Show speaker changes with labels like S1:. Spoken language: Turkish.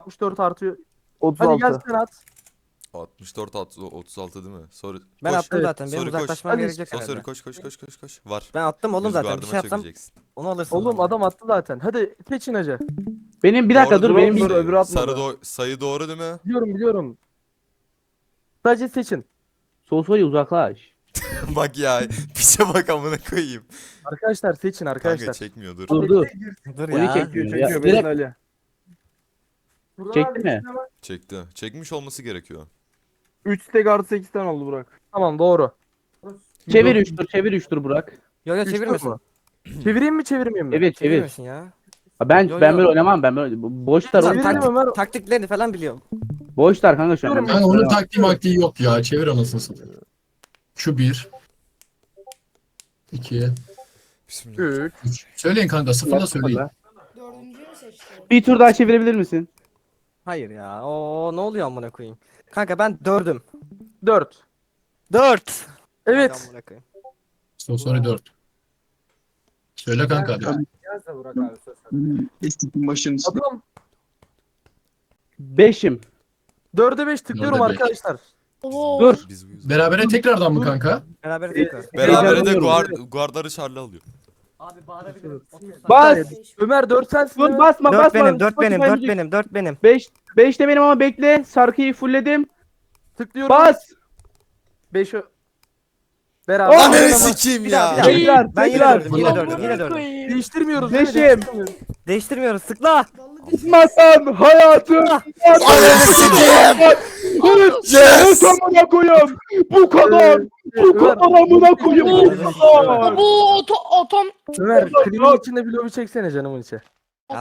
S1: 64 artıyor. Hadi
S2: 36.
S1: gel sen at.
S3: 64 36 değil mi? Soru
S4: Ben
S3: koş.
S4: attım
S1: Evet,
S4: zaten. Benim
S3: soru koş.
S4: uzaklaşmam
S1: Hadi,
S4: gerekecek
S3: Soru
S4: herhalde.
S3: koş. Var.
S4: Ben attım oğlum
S3: Yüz
S4: zaten. Bir
S3: gardıma
S4: şey yapsam
S3: çökeceksin.
S4: onu alırsın.
S1: Oğlum adam attı zaten. Hadi seçin hacı.
S2: Benim bir dakika
S3: Doğru
S2: dur
S3: değil
S2: benim
S3: mi?
S2: bir
S1: öbürü atmadı.
S3: Sayı doğru değil mi?
S1: Biliyorum. Sadece seçin.
S2: Sosyal uzaklaş.
S3: Bak ya. Piçe bak amına koyayım.
S1: Arkadaşlar seçin
S3: Kanka
S1: arkadaşlar.
S3: çekmiyor dur.
S2: Dur.
S4: Dur
S2: Onu
S4: ya.
S2: çekiyor ya.
S1: Çekiyor
S2: Direkt
S1: Ali.
S2: çekti mi?
S3: Çekti. Çekmiş olması gerekiyor.
S1: 3 stack artı 8 tane oldu Burak. Tamam doğru.
S2: Çevir 3 tur, çevir 3 tur Burak.
S4: Yo yo
S1: Üç tur
S4: çevirmesin.
S1: mu? Çevireyim mi çevirmeyeyim mi?
S2: Evet çevir.
S4: Çevirmesin ya.
S2: Ha, Ben
S4: Yo,
S2: ben
S4: yo.
S2: böyle oynamam. Ben böyle boşlar
S1: Çevirelim
S2: oğlum.
S1: Ömer.
S4: Taktiklerini falan biliyorum.
S2: Boşlar kanka şu an.
S1: Çeviriyorum.
S5: Kanka onun taktiği maktiği yok ya. Çevir anasını satayım. Şu 1. 2.
S3: Bismillah.
S1: 3.
S5: 3. Söyleyin kanka. Sıfırla söyleyin.
S6: Dördüncüyü mü seçti?
S2: Bir tur daha çevirebilir misin?
S4: Hayır ya. Oo ne oluyor amına koyayım. Kanka ben 4'üm.
S1: 4.
S4: 4.
S1: Evet.
S5: Soru 4. Söyle kanka hadi.
S1: Adam
S2: 5'im.
S1: 4'e 5 tıklıyorum
S5: 4'e 5.
S1: arkadaşlar.
S6: Oo.
S2: Dur.
S3: Biz bu yüzden.
S5: Berabere tekrardan mı kanka?
S4: Beraber tekrar.
S3: Berabere de
S2: Heyecanlanıyorum.
S3: guardarı Charlie alıyor.
S4: Abi bağırabilirim.
S2: Bas.
S1: Ömer 4 sensin.
S2: Dur
S1: değil mi?
S2: basma
S4: 4
S2: basma.
S4: benim, 4 benim, 4 benim, 4 benim.
S2: 5 de benim ama bekle. Sarkıyı fullledim.
S1: Tıklıyorum.
S2: Bas.
S1: 5 Beraber.
S3: Ananı
S1: Tamam.
S3: sikeyim
S4: Bir daha, bir
S3: ya.
S4: daha.
S2: Tekrar.
S4: Ben yine
S2: tekrar.
S4: 4'üm, yine 4'üm, yine 4'üm.
S1: Değiştirmiyoruz değil mi?
S2: Beşim.
S1: Değiştirmiyoruz.
S4: Değiştirmiyoruz, sıkla.
S2: Basmasan hayatım.
S3: Ananı sikeyim. Yes.
S2: Amına koyayım. Bu kadar. Bu kadar amına koyayım. Bu kadar.
S6: Bu otom.
S1: Ömer klibin içinde bir lobi çeksene canımın içi.